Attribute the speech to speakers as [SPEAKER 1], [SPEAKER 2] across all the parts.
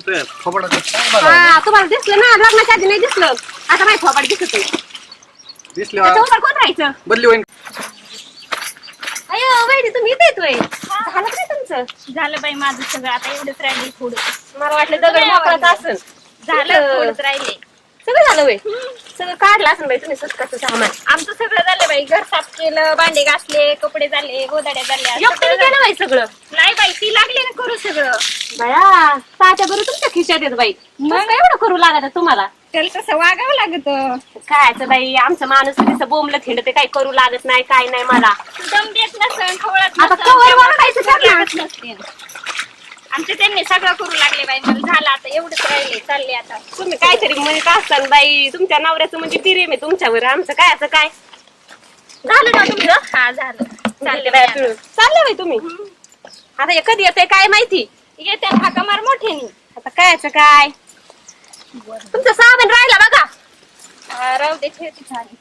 [SPEAKER 1] तुझ्या थोबडा
[SPEAKER 2] हा तुम्हाला दिसलं ना लग्नाच्या आधी नाही दिसलं आता माहिती थोबाड दिसत
[SPEAKER 1] दिसले
[SPEAKER 2] त्याच्यावर कोण राहायचं
[SPEAKER 1] बदली होईन.
[SPEAKER 2] अयो वहिनी तुम्ही इथे येतोय झालं काय तुमचं
[SPEAKER 3] झालं बाई माझं सगळं आता एवढंच राहिले थोडं
[SPEAKER 2] मला वाटलं दगड मोकळाच असेल
[SPEAKER 3] झालं थोडंच राहिले
[SPEAKER 2] सगळं झालं वय सगळं काढलं असेल बाई तुम्ही स्वतःचं सामान
[SPEAKER 3] आमचं सगळं झालं बाई घर साफ केलं भांडे घासले कपडे झाले गोदाड्या झाल्या
[SPEAKER 2] एकट्याने केलं बाई सगळं
[SPEAKER 3] नाही बाई ती लागली ना करू सगळं
[SPEAKER 2] बया तात्या बरोबर तुमच्या खिशात येत बाई मग काय एवढं करू लागत तुम्हाला
[SPEAKER 3] त्याला तसं वागावं लागत
[SPEAKER 2] कायचं बाई आमचं माणूस कसं बोंबलं थिंडते काही करू लागत नाही काय नाही मला
[SPEAKER 3] दम देत नसन खवळत
[SPEAKER 2] आता
[SPEAKER 3] नसन,
[SPEAKER 2] कवर
[SPEAKER 3] तेव्हा
[SPEAKER 2] वरडायचं
[SPEAKER 3] काही
[SPEAKER 2] ठरलं.
[SPEAKER 3] लागत नसते. आमचे त्यांनी सगळं करू लागले बाई मला झालं आता एवढंच राहिले चालले आता
[SPEAKER 2] तुम्ही काहीतरी म्हणत असताना बाई तुमच्या नवऱ्याचं म्हणजे प्रेम आहे तुमच्यावर आमचं काय असं काय झालं ना तुमचं
[SPEAKER 3] हा झालं
[SPEAKER 2] चालले बाई पिळून चालले बाई तुम्ही आता हे कधी येतंय काय माहिती
[SPEAKER 3] येते हाका मार मोठ्यानी
[SPEAKER 2] आता कायचं काय तुमचं साबण राहिला बघा
[SPEAKER 3] राहू दे ठेवते झाली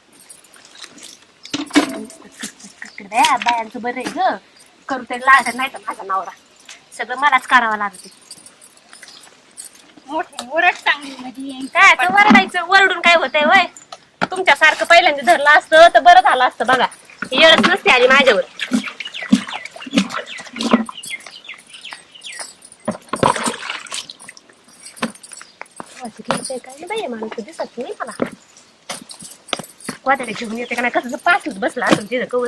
[SPEAKER 2] बायांचं बरं आहे ग करू तरी लागत नाही तर माझा नवरा सगळं मलाच करावं लागते
[SPEAKER 3] मोठी ओरड चांगली म्हणजे
[SPEAKER 2] काय आता वरडायचं वरडून काय होतंय वय तुमच्यासारखं पहिल्यांदा धरलं असतं तर बरं झालं असतं बघा येळच नसते आली माझ्यावर काय नाही बाई माणूस दिसत नाही मला वाटायला घेऊन येते का नाही कसं पाठच बसला असं तिथं कवर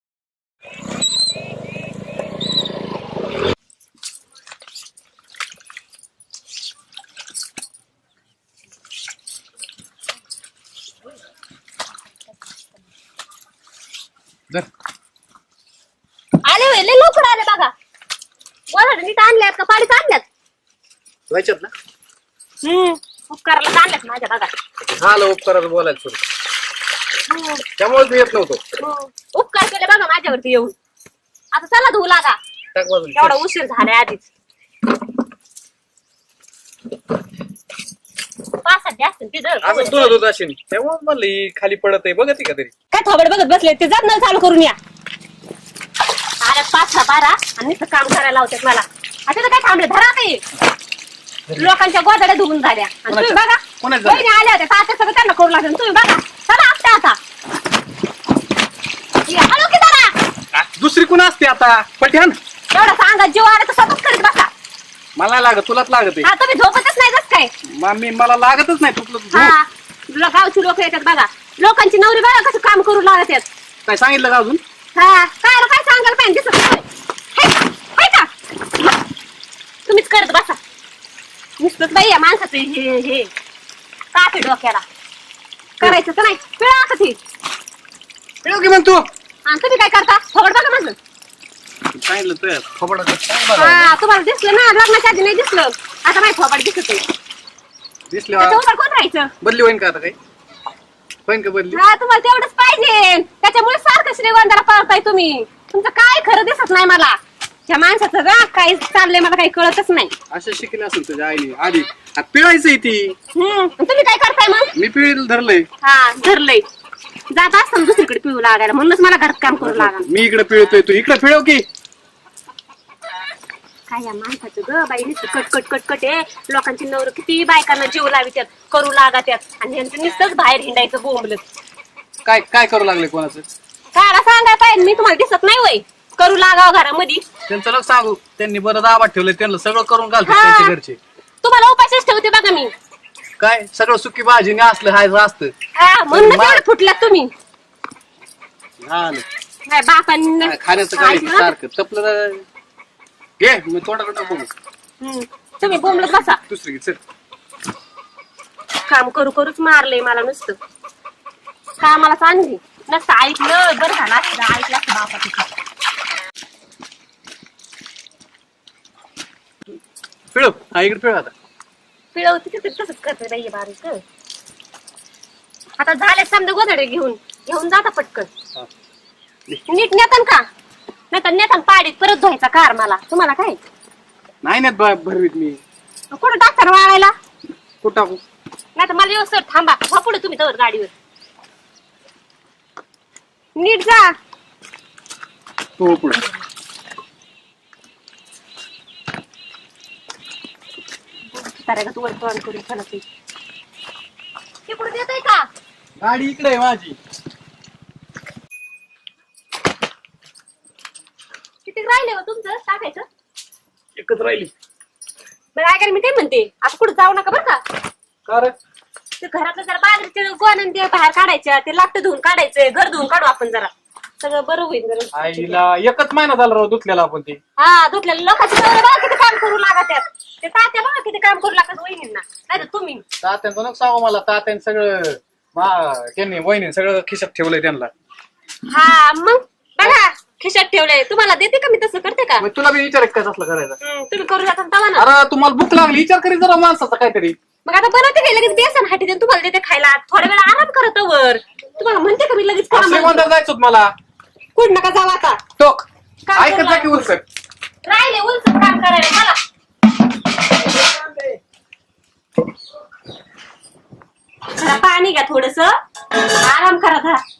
[SPEAKER 2] आले होय लय लवकर आले बघा वराड नीट आणल्यात का पाडीत आणल्यात
[SPEAKER 1] व्हायच्यात ना
[SPEAKER 2] उपकाराला आणल्यात माझ्या बघा
[SPEAKER 1] झालं उपकाराचं बोलायचं सुरू त्यामुळेच मी येत नव्हतो.
[SPEAKER 2] उपकार केले बघा माझ्यावरती येऊन आता चला धुवू लागा
[SPEAKER 1] टाक बाजून
[SPEAKER 2] एवढा उशीर झालाय आधीच पाच सध्या असतील ते जर
[SPEAKER 1] असं तुला दूध असेल तेव्हा म्हणलं ही खाली पडत आहे बघत का तरी
[SPEAKER 2] काय थोबड बघत बसले ते जात नळ चालू करून या अरे 5-12 आणि नुसतं काम करायला लावतात मला आता तर काय थांबले धरा काही लोकांच्या गोदाड्या धुवून झाल्या आणि तुम्ही बघा
[SPEAKER 1] कोणाच्या
[SPEAKER 2] वहिनी आल्या होत्या तात्या सगळं त्यांना करू लागेल तुम्ही बघा चला आपल्या आता हॅलो की जरा
[SPEAKER 1] दुसरी कोण असते आता पठ्यान
[SPEAKER 2] एवढा सांगा जीव आला तर स्वतःच करीत बसा
[SPEAKER 1] मला लागत तुलाच लागत आहे
[SPEAKER 2] हा तुम्ही झोपतच नाही जस काय
[SPEAKER 1] मी मला लागतच नाही तुला
[SPEAKER 2] हा तुला गावची लोक येतात बघा लोकांची नवरी बघा कसं काम करू लागत आहेत
[SPEAKER 1] काय सांगितलं का अजून
[SPEAKER 2] हा काय सांगायला पाहिजे दिसत नाही हाय का तुम्हीच करत बसा नुसतंच बाई या माणसाचं हे कापे डोक्याला करायचं तर नाही पिळा का ती
[SPEAKER 1] पिळव की म्हणतो
[SPEAKER 2] आणि तुम्ही काय करता थोबड बघा माझं
[SPEAKER 1] सांगितलं तुझ्या थोबडा
[SPEAKER 2] हा तुम्हाला दिसलं ना लग्नाच्या आधी नाही दिसलं आता माहिती थोबड दिसत आहे
[SPEAKER 1] दिसले
[SPEAKER 2] त्याच्यावर कोण राहायचं
[SPEAKER 1] बदली होईन का आता काही होईन का बदली
[SPEAKER 2] हा तुम्हाला तेवढंच पाहिजे त्याच्यामुळे सारखं श्रीगोंदाला पळताय तुम्ही तुमचं काय खरं दिसत नाही मला त्या माणसाचं राग काय चाललंय मला काही कळतच नाही
[SPEAKER 1] असं शिकले असेल तुझ्या आईने आधी पिळायचंय ती
[SPEAKER 2] तुम्ही काय करताय मग
[SPEAKER 1] मी पिळीला धरलंय
[SPEAKER 2] हा धरलंय जात असताना दुसरीकडे पिळू लागायला म्हणूनच मला घरात काम करू लागा
[SPEAKER 1] मी इकडे पिळतोय तू इकडे पिळव की
[SPEAKER 2] काय या माणसाचं ग बाई नुसतं कट आहे लोकांची नवर किती बायकांना जीव लावित्यात करू लागात्यात आणि यांचं नुसतंच बाहेर हिंडायचं बोंबलत
[SPEAKER 1] काय काय करू लागले कोणाचं
[SPEAKER 2] काय सांगाय पाहिजे मी तुम्हाला दिसत नाही वय करू लागाव घरामध्ये
[SPEAKER 1] त्यांचं लक्ष सांगू त्यांनी बरं दाबात ठेवलंय त्यांना सगळं करून घालतो
[SPEAKER 2] हा.
[SPEAKER 1] त्यांच्या घरचे
[SPEAKER 2] तुम्हाला उपाशीच ठेवते बघा मी
[SPEAKER 1] काय सगळं सुकी भाजीने असलं हायचं असतं
[SPEAKER 2] हा म्हणून एवढं फुटल्यात तुम्ही
[SPEAKER 1] झालं
[SPEAKER 2] काय बापांनी
[SPEAKER 1] काय खाण्याचं काय सारखं तपलं घे मी तोंडाकडे बघू
[SPEAKER 2] तुम्ही बोंबलत बसा
[SPEAKER 1] दुसरी घे, चल
[SPEAKER 2] काम करूच मारलंय मला नुसतं कामाला आणली नसतं ऐकलं बरं झालं असतं ऐकलं असतं बापा तिथं
[SPEAKER 1] पिळव हा इकडे पिळव आता
[SPEAKER 2] पिळवती तिथे तसंच करते बाई बारीक आता झाले समजा गोधडे घेऊन जाता पटकन
[SPEAKER 1] हा.
[SPEAKER 2] नीट नेतान का नाही तर नेतान पाडीत परत धुवायचा कार मला तुम्हाला काय
[SPEAKER 1] नाही ना भरवीत मी
[SPEAKER 2] कुठं टाकता वाळायला
[SPEAKER 1] कुठं टाकू
[SPEAKER 2] नाही तर मला व्यवस्थित थांबा हा पुढे तुम्ही तर गाडीवर नीट जा
[SPEAKER 1] हो पुढे
[SPEAKER 2] म्हाताऱ्या का तू तोंड करून चला ते तिकडून देतोय का
[SPEAKER 4] गाडी इकडे आहे माझी.
[SPEAKER 2] किती राहिले हो तुमचं टाकायचं
[SPEAKER 4] एकच राहिली.
[SPEAKER 2] बरं ऐका मी काय म्हणते आता कुठं जाऊ नका बरं का
[SPEAKER 4] कर
[SPEAKER 2] ते घरातलं जरा बाजरीचे गोण आणि ते बाहेर काढायचं ते लागतं धुवून काढायचं घर धुवून काढू आपण जरा सगळं बरं होईल जरा
[SPEAKER 4] आईला एकच महिना झाला राव धुतलेला आपण ते.
[SPEAKER 2] हा धुतलेलं लोकांची नवरे बघा किती काम करू लागत आहेत ते तात्या बघा किती काम करू लागत वहिनींना नाही तर तुम्ही
[SPEAKER 4] तात्यांचं नको सांगू मला. तात्याने सगळं त्यांनी वहिनी सगळं खिशात ठेवलंय त्यांना.
[SPEAKER 2] हा मग बघा खिशात ठेवलंय तुम्हाला देते का मी तसं करते का
[SPEAKER 4] मग तुला बी विचार काय असलं करायचं.
[SPEAKER 2] तुम्ही करू जाता तवा ना
[SPEAKER 4] अरे तुम्हाला भूक लागली विचार करी जरा माणसाचा काहीतरी.
[SPEAKER 2] मग आता बनवते काय लगेच बेसन हाटी देऊन तुम्हाला देते खायला थोड्या वेळा आराम करत वर तुम्हाला म्हणते का मी लगेच करा म्हणून?
[SPEAKER 4] श्रीमंत जायचं होतं मला.
[SPEAKER 2] कुठं नका जाऊ आता
[SPEAKER 4] टोक
[SPEAKER 2] काम
[SPEAKER 4] ऐकत
[SPEAKER 2] करू
[SPEAKER 4] जा की उलसक.
[SPEAKER 2] राहिले उलच काम करायला मला जरा पाणी घ्या थोडस आराम करा जरा